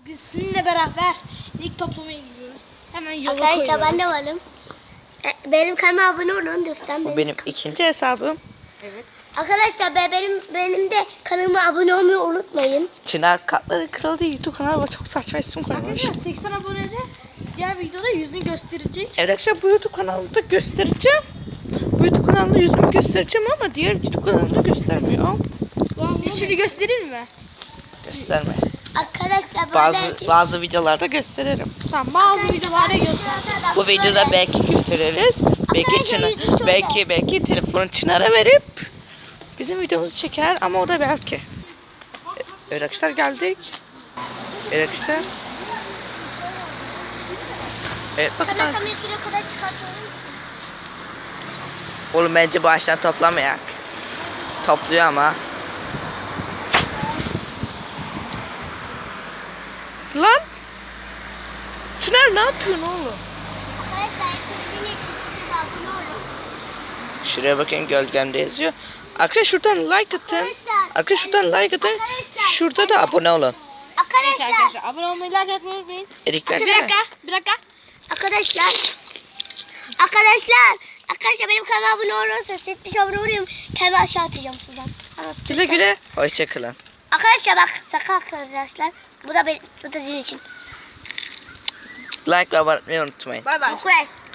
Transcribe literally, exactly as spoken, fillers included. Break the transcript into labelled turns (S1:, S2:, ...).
S1: Biz sizinle beraber ilk toplamaya gidiyoruz. Hemen yola
S2: Arkadaşlar
S1: koyuyoruz.
S2: ben de varım. E, Benim kanalıma abone olun lütfen.
S3: Bu benim ikinci hesabım.
S1: Evet.
S2: Arkadaşlar be- benim benim de kanalıma abone olmayı unutmayın.
S3: Çınar Katları Kralı diye YouTube kanalı var. Çok saçma isim koymuş.
S1: Arkadaşlar seksen abonede diğer videoda yüzünü gösterecek.
S3: Evet arkadaşlar bu YouTube kanalında göstereceğim. Bu YouTube kanalında yüzümü göstereceğim ama diğer YouTube kanalında göstermiyor.
S1: E, Şimdi gösterir mi?
S3: Gösterme.
S2: Arkadaşlar böyle
S3: Bazı bazı videolarda gösteririm.
S1: Tamam, bazı videolarda göster.
S3: Bu videoda belki gösteririz. Belki Çınar, belki belki telefonu Çınar'a verip bizim videomuzu çeker ama o da belki. Evet arkadaşlar geldik. Evet arkadaşlar. Evet bakın.
S2: Arkadaşlar ben şuraya kadar çıkartıyorum.
S3: Oğlum bence baştan toplamayak. Topluyor ama. Lan. Çınar ne yapıyorsun oğlum?
S2: Arkadaşlar sizin için size abone olun.
S3: Şuraya bakın gölgemde yazıyor. Arkadaşlar şuradan like atın. Arkadaşlar şuradan like atın. Şurada da abone olun.
S1: Evet
S2: Arkadaşlar,
S1: arkadaşlar, abone olmayı, like atmayı unutmayın.
S3: Erik
S1: Bir
S3: versene.
S1: dakika, bir dakika.
S2: arkadaşlar. Arkadaşlar, arkadaşlar benim kanalıma abone olursanız yetmiş abone olayım. Kendimi aşağı atacağım sizden.
S3: Güle güle. Hoşçakalın.
S2: Arkadaşlar bak sakın arkadaşlar. Bu da benim, bu da sizin için.
S3: Like ve abone olmayı unutmayın.
S1: Bay bay.
S2: Okey.